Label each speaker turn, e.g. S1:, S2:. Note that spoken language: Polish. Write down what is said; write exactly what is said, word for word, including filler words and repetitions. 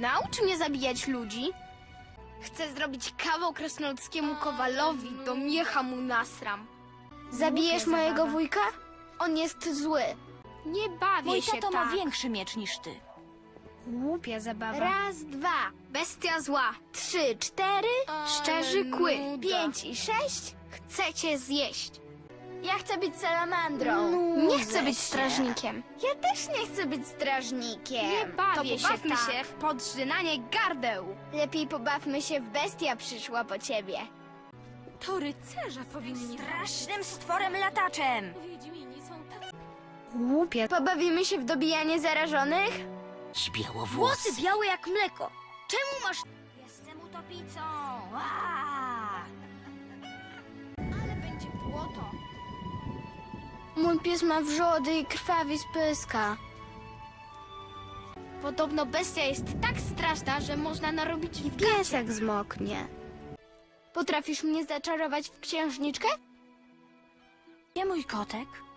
S1: Naucz mnie zabijać ludzi. Chcę zrobić kawał krasnoludzkiemu kowalowi, do miecha mu nasram.
S2: Zabijesz
S1: Głupia
S2: mojego
S1: zabawa.
S2: wujka? On jest zły.
S1: Nie bawię
S3: Mój
S1: się
S3: tato
S1: tak.
S3: ma większy miecz niż ty.
S1: Głupia zabawa.
S2: Raz, dwa,
S1: Bestia zła.
S2: trzy, cztery,
S1: Szczerzy kły.
S2: pięć i sześć.
S1: Chcecie zjeść.
S2: Ja chcę być salamandrą.
S1: Nie chcę
S2: Nudzę
S1: być
S2: się.
S1: strażnikiem.
S2: Ja też nie chcę być strażnikiem.
S1: Nie bawię
S2: to
S1: się
S2: pobawmy
S1: tak.
S2: się.
S1: w podrzynanie gardeł.
S2: Lepiej pobawmy się w bestia przyszła po ciebie.
S4: To rycerze powinni...
S3: Strasznym stworem lataczem!
S4: Wiedźmini są tacy...
S1: Głupia.
S2: Pobawimy się w dobijanie zarażonych?
S3: Włosy
S5: Włosy
S3: białe jak mleko. Czemu masz... Jestem utopicą! Aaaa!
S1: Ale będzie błoto.
S2: Mój pies ma wrzody i krwawi z pyska.
S1: Podobno bestia jest tak straszna, że można narobić w
S2: Piesek zmoknie. Potrafisz mnie zaczarować w księżniczkę?
S3: Gdzie mój kotek?